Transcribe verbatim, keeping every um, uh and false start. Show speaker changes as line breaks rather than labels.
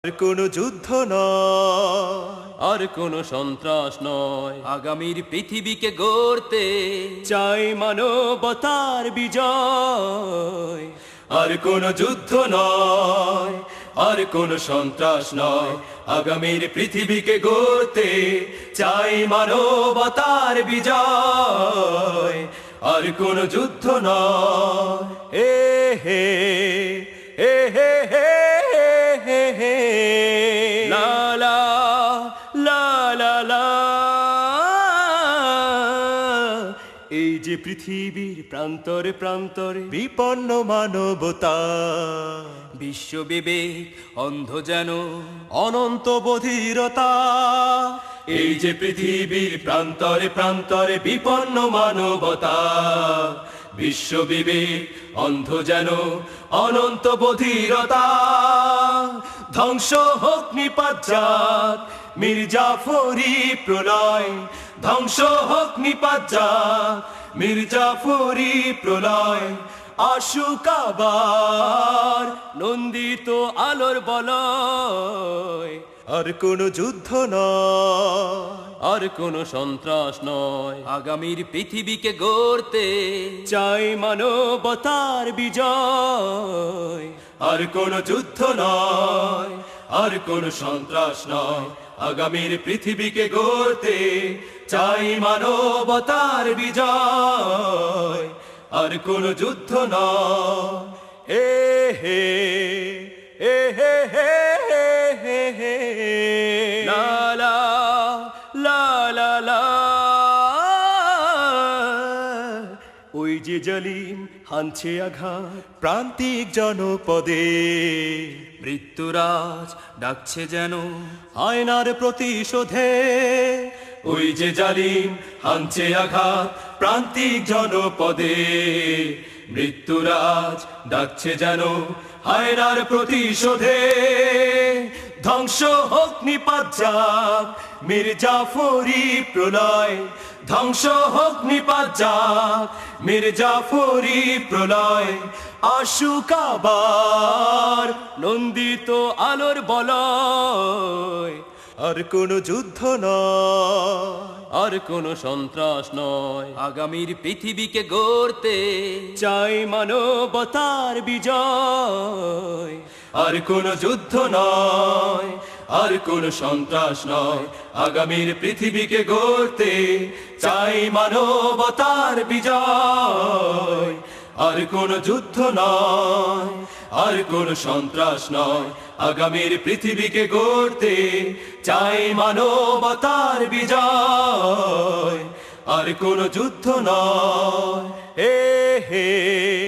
আর কোনো যুদ্ধ নয়,
আর কোনো সন্ত্রাস নয়, আগামীর পৃথিবীকে গড়তে
চাই মানবতার বিজয়। আর কোনো যুদ্ধ নয়, আর কোনো সন্ত্রাস নয়, আগামীর পৃথিবীকে গড়তে চাই মানবতার বিজয়। আর কোনো যুদ্ধ নয়, এ হে এ হে হে হে হে লা লা লা লা লা। এই যে পৃথিবীর প্রান্তরে প্রান্তরে বিপন্ন মানবতা,
বিশ্ব বিবেক অন্ধ যেন
অনন্ত বধিরতা। এই যে পৃথিবীর প্রান্তরে প্রান্তরে বিপন্ন মানবতা, বিশ্ব বিবেক অন্ধ যেন অনন্ত বধিরতা। ধ্বংস হোক নিপাত জাত মির্জাফরি প্রলয়, ধ্বংস হোক নিপাত জাত মির্জাফরি প্রলয়। আসুক আবার নন্দিত আলোর বলয়। আর কোনো যুদ্ধ নয়,
আর কোনো সন্ত্রাস নয়, আগামীর পৃথিবীকে গড়তে
চাই মানবতার বিজয়। আর কোনো যুদ্ধ নয়, আর কোনো সন্ত্রাস নয়, আগামীর পৃথিবীকে গড়তে চাই মানবতার বিজয়। আর কোনো যুদ্ধ নয়, এ হে এ হে হে হে হে লা লা লা লা লা। ওই যে জালিম হানছে আঘাত প্রান্তিক জনপদে,
মৃত্যুরাজ ডাকছে যেন
আয়নার প্রতিশোধে। ওই যে জালিম হানছে আঘাত প্রান্তিক জনপদে, মৃত্যুরাজ ডাকছে যেন আয়নার প্রতিশোধে। ধ্বংস হোক নিপাত জাত মির্জাফরি প্রলয়, ধ্বংস হোক নিপাত জাত মির্জাফরি প্রলয়। আসুক আবার নন্দিত আলোর বলয়। আর কোনো যুদ্ধ নয়,
আর কোনো সন্ত্রাস নয়, আগামীর পৃথিবীকে গড়তে
চাই মানবতার বিজয়। আর কোনো যুদ্ধ নয়, আর কোনো সন্ত্রাস নয়, আগামীর পৃথিবীকে গড়তে চাই মানবতার বিজয়। আর কোনো যুদ্ধ নয়, আর কোনো সন্ত্রাস নয়, আগামীর পৃথিবীকে গড়তে চাই মানবতার বিজয়। আর কোনো যুদ্ধ নয়, এ হে